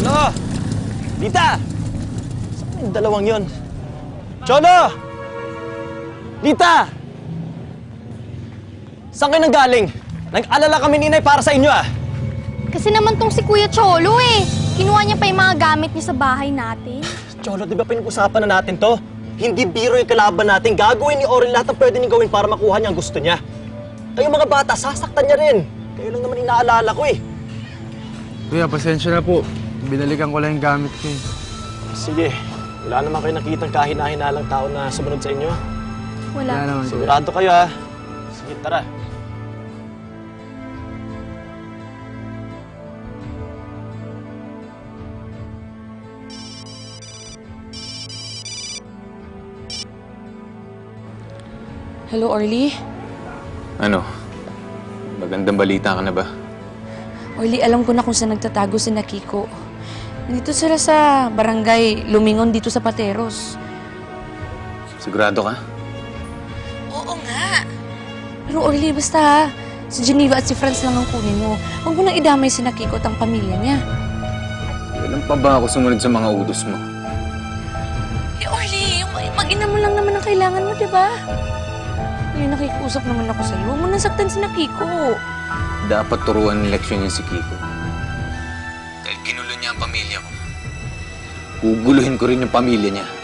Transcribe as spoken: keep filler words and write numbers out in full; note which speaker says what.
Speaker 1: Cholo! Lita! Saan yung dalawang yon? Cholo! Lita! Saan kayo nanggaling? Nag-alala kami ni Inay para sa inyo ah!
Speaker 2: Kasi naman tong si Kuya Cholo eh. Kinuha niya pa yung mga gamit niya sa bahay natin.
Speaker 1: Cholo, di ba pinag-usapan na natin to? Hindi biro yung kalaban natin. Gagawin ni Oren lahat ng pwede niyang gawin para makuha niya ang gusto niya. Kayo mga bata, sasaktan niya rin. Kayo lang naman inaalala ko eh.
Speaker 3: Kuya, pasensya na po. Binalikan ko lang yung gamit ko eh.
Speaker 1: Sige, wala naman kayo nakitang kahina-hinalang tao na sumunod sa inyo.
Speaker 2: Wala.
Speaker 3: Wala naman, kuya.
Speaker 1: Sigurado kayo ha. Sige, tara.
Speaker 4: Hello, Orly?
Speaker 5: Ano? Magandang balita ka na ba?
Speaker 4: Orly, alam ko na kung saan nagtatago si Nakiko. Nandito sila sa barangay Lumingon dito sa Pateros.
Speaker 5: Sigurado ka?
Speaker 4: Oo nga. Pero Orly, basta ha, si Geneva at si Franz lang ang kunin mo. Huwag mo nang idamay si Nakiko at ang pamilya niya.
Speaker 5: Kailan pa ba ako sumunod sa mga utos mo?
Speaker 4: Eh, Orly, yung mag-ina mo lang naman ang kailangan mo, di ba? Ngayon nakikusap naman ako sa'yo. Huwag mo nang saktan si Nakiko.
Speaker 5: Dapat turuan ng leksyon niya si Kiko. Dahil ginulo niya ang pamilya ko. Guguluhin ko rin yung pamilya niya.